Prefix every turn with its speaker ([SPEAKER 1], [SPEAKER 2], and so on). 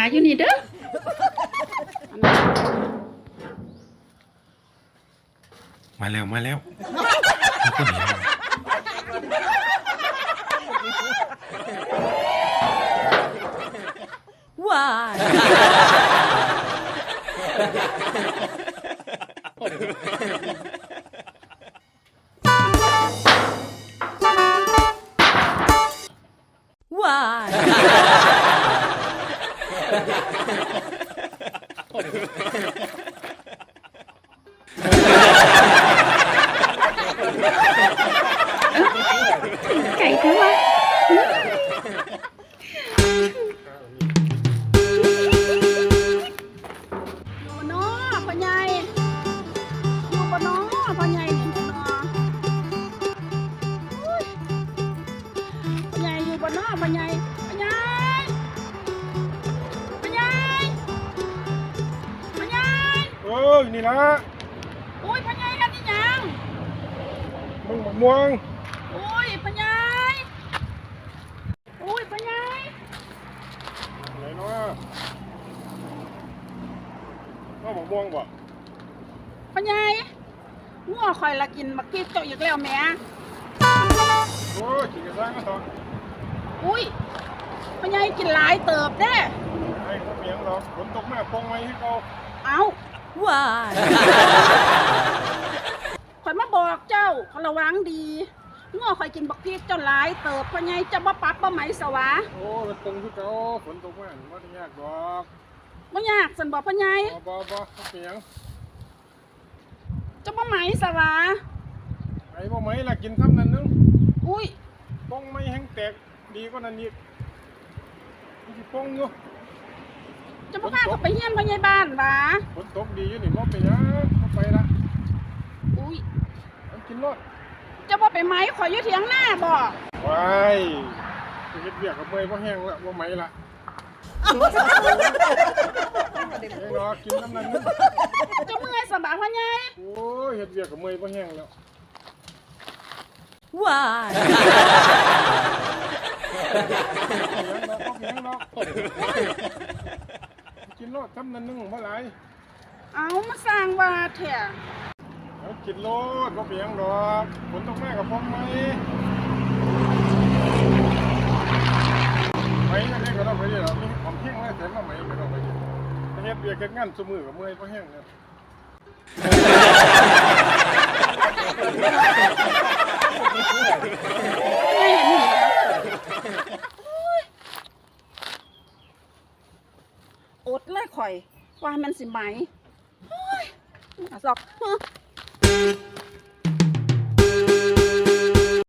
[SPEAKER 1] อยู่นี่เด้อ
[SPEAKER 2] มาแล้วมาแล้ว
[SPEAKER 1] ว้าว้าไก่เท่าไหร่อยู่เนาะพ่อใหญ่อยู่บ่เนาะพ่อใหญ่นี่เนาะพ่อใหญ่อยู่บ่เนาะพ่อใหญ่พ่อใหญ่พ่อใหญ่พ่อใหญ่
[SPEAKER 2] นี่ละ
[SPEAKER 1] อุ้ยพ่อใหญ่กันนี่ยัง
[SPEAKER 2] มึงมะม่วง
[SPEAKER 1] อุ้ยพ่อใหญ่อุ้ยพ่อใหญ่
[SPEAKER 2] ไหนเนาะก็มะม่วงบ่
[SPEAKER 1] พ่อใหญ่งัวคอยละกินบักกี้เจ้าอีกแล้วแม่
[SPEAKER 2] โอ้ยกินกระซังก็ต่อ
[SPEAKER 1] อุ้ยพ่อใหญ่กินหลายเติบเด้
[SPEAKER 2] ไอ้พวกเมียงหรอกฝนตกแม่ปองไว้ให้เขา
[SPEAKER 1] เอาว้าคอยมาบอกเจ้าเขาระวังดีงัวคอยกินบักกี้เจ้าหลายเติบพ่อใหญ่จะบ่ปักบ่ไหมสวะ
[SPEAKER 2] โอ้มันตรงที่เขาฝนตกแม่ไม่ได้ยากหรอก
[SPEAKER 1] บ่ยากสันบอกพ่อใหญ่
[SPEAKER 2] บ่เมียง
[SPEAKER 1] จะบ่ไหมสวะ
[SPEAKER 2] ไอ้บ่ไหมล่ะกินซ้ำนั่นนึง
[SPEAKER 1] อุ้ย
[SPEAKER 2] ปองไม่แห้งแตกดีกว่านั้นอีกมันสิปองอยู่
[SPEAKER 1] จะบ่พาเขาไปเฮียนพ่อใหญ่บ้านวะ
[SPEAKER 2] ฝนตกดีอยู่นี่บ่ไปยังบ่ไปละ
[SPEAKER 1] อุ้ย
[SPEAKER 2] กินรถ
[SPEAKER 1] จะบ่ไปไหมขอยอยู่เถียงหน้าบ่
[SPEAKER 2] ว้ายเฮ็ดเวียกกับเมย์บ่แห้งละบ่ไหมละรอกินน้ำนั้นนึง
[SPEAKER 1] จะเมื่อยสบายพ่อใหญ่
[SPEAKER 2] โอ้ยเฮ็ดเวียกกับเมย์บ่แห้งแล้ว
[SPEAKER 1] ว้า
[SPEAKER 2] เลี้ยงเนาะกินรถทำนั้นนึงบ่หลาย
[SPEAKER 1] เอามาสร้างว่าแท้
[SPEAKER 2] กินรถบ่เปียงดอกฝนตกแม่กับผมไหมไหมนั่นเองก็ต้องไปดิหรอมีผมแห้งแล้วแต่มาไหมก็ต้องไปดิเฮ็ดเวียกเฮ็ดงานซุมื้อกับเมื่อยบ่แห้งเนี่ย
[SPEAKER 1] อดเลยข่อยว่ามันสิไหมสอก